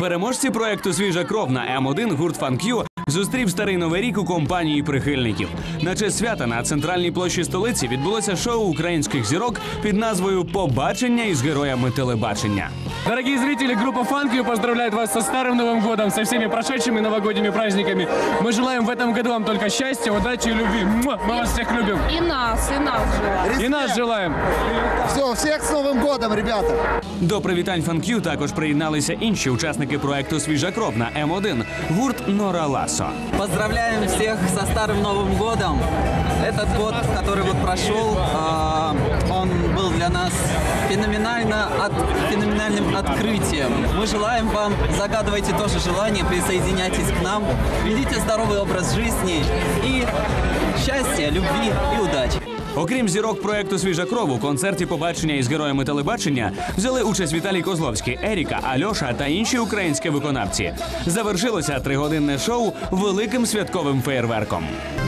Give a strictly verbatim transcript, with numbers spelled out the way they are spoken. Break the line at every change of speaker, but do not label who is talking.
Переможці проекту «Свіжа кров» на М один гурт «Фанк-Ю» зустрів старий новий рік у компанії прихильників. На честь свята на центральній площі столиці відбулося шоу українських зірок під назвою «Побачення із героями телебачення».
Дорогие зрители, группа «Фанк-Ю» поздравляет вас со Старым Новым годом, со всеми прошедшими новогодними праздниками. Мы желаем в этом году вам только счастья, удачи и любви. Мы вас всех любим.
И нас, и нас желаем.
И нас желаем.
Все, всех с Новым годом, ребята!
До привітань «Фанк-Ю» також приєдналися інші учасники проекту «Свіжа кров» на М один гурт «Нора Ласо».
Поздравляем всех со Старым Новым годом. Этот год, который вот прошел, он был для нас феноменально, от, феноменальным открытием. Мы желаем вам, загадывайте тоже желание, присоединяйтесь к нам, ведите здоровый образ жизни и счастья, любви и удачи.
Окрім зірок проекту «Свіжа кров», у концерті «Побачення із героями телебачення» взяли участь Віталій Козловський, Еріка, Альоша та інші українські виконавці. Завершилося тригодинне шоу великим святковим феєрверком.